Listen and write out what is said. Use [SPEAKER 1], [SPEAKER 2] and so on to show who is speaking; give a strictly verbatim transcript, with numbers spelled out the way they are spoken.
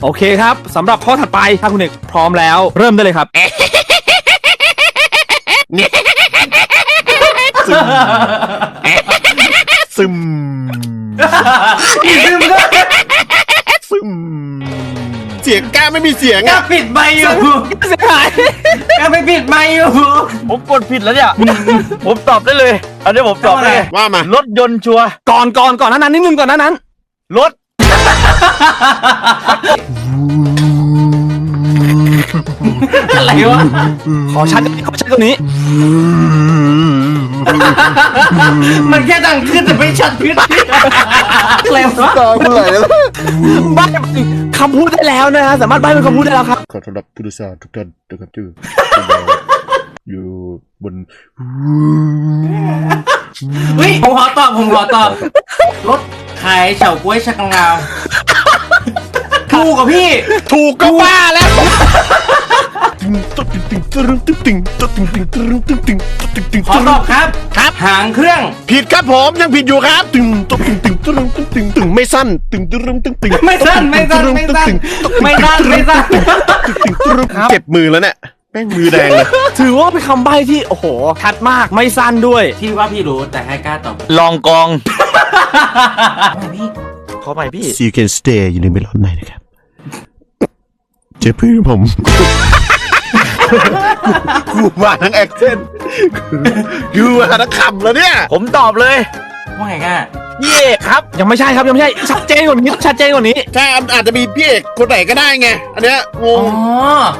[SPEAKER 1] โอเคครับสำหรับข้อถัดไปถ้าคุณเอกพร้อมแล้วเริ่มได้เลยครับซึมซึมซึม
[SPEAKER 2] เสียงกล้าไม่มีเสียง
[SPEAKER 3] กล้า
[SPEAKER 2] อ่ะ
[SPEAKER 3] ปิดไมค์อยู่
[SPEAKER 1] เสียหาย
[SPEAKER 3] กล้าไปปิดไมค์อยู่
[SPEAKER 4] ผมกดผิดแล้วเนี่ย ผมตอบได้เลย อันนี้ผมตอบได้เลย
[SPEAKER 2] ว่ามา
[SPEAKER 4] รถยนต์ชัวร์
[SPEAKER 1] ก่อนก่อนก่อนหนานั้นนิดนึงก่อนหนานั้น
[SPEAKER 4] รถ
[SPEAKER 3] อะไรวะ
[SPEAKER 1] ขอชัดขอชัดกว่านี้
[SPEAKER 3] มันแค่ดังขึ้นแต่ไม่ชัดขึ้นอะไรวะ
[SPEAKER 2] ตามไหลแล้ว
[SPEAKER 1] ใบ้คำพูดได้แล้วนะฮะสามารถใบ้เป็นคำพูดได้แล้วครับ
[SPEAKER 2] ขอต้อนรับผู้โดยสารทุกท่านนะครับที่อยู่บน
[SPEAKER 3] เฮ้ยผมขอตอบผมขอตอบรถขายเฉาก๊วยชักงาวถูกกับพี่
[SPEAKER 2] ถูกก็ว่าแล้วตุ๊ดติ๊งติ๊งตึ้งติ๊งติ๊งตุ๊ดติ๊งติ๊งตึ้งติ๊งติ๊งตุ๊ดติ๊งติ๊ง
[SPEAKER 3] ขอตอบครับ
[SPEAKER 2] ครับ
[SPEAKER 3] หางเครื่อง
[SPEAKER 2] ผิดครับผมยังผิดอยู่ครับตึงตุ๊ดติ๊งติ๊งตึ้งติ๊งติ๊งตึงไม่สั้นตึงตึ้งตึ้งติ๊ง
[SPEAKER 3] ไม่สั้นไม่สั้นไม่สั้นไม่สั้นไม่สั้น
[SPEAKER 2] เจ็บมือแล้วเนี่ยแม่งมือแดงเลย
[SPEAKER 1] ถือว่าเป็นคำใบ้ที่โอ้โหชัดมากไม่สั้นด้วย
[SPEAKER 3] ที่ว่าพี่รู้แต่ให้กล้าตอบ
[SPEAKER 4] ลองกอง
[SPEAKER 3] พี่
[SPEAKER 4] ขอใหม่พี่
[SPEAKER 2] See you can stay อยู่ในเมลอนไหนนะครับเจ็บพื้นผมกูมาทั้งแอคเซนต์กูมาทั้งคำแล้วเนี่ย
[SPEAKER 4] ผมตอบเลย
[SPEAKER 3] ว่าไงกล้า
[SPEAKER 4] พี่เอกครับ
[SPEAKER 1] ยังไม่ใช่ครับยังไม่ใช่ชัดเจนกว่านี้ชัดเจนกว่านี้
[SPEAKER 2] ใช่อาจจะมีพี่เอกคนไหนก็ได้ไง อันเนี้ยง
[SPEAKER 3] อ๋
[SPEAKER 2] ง
[SPEAKER 3] อ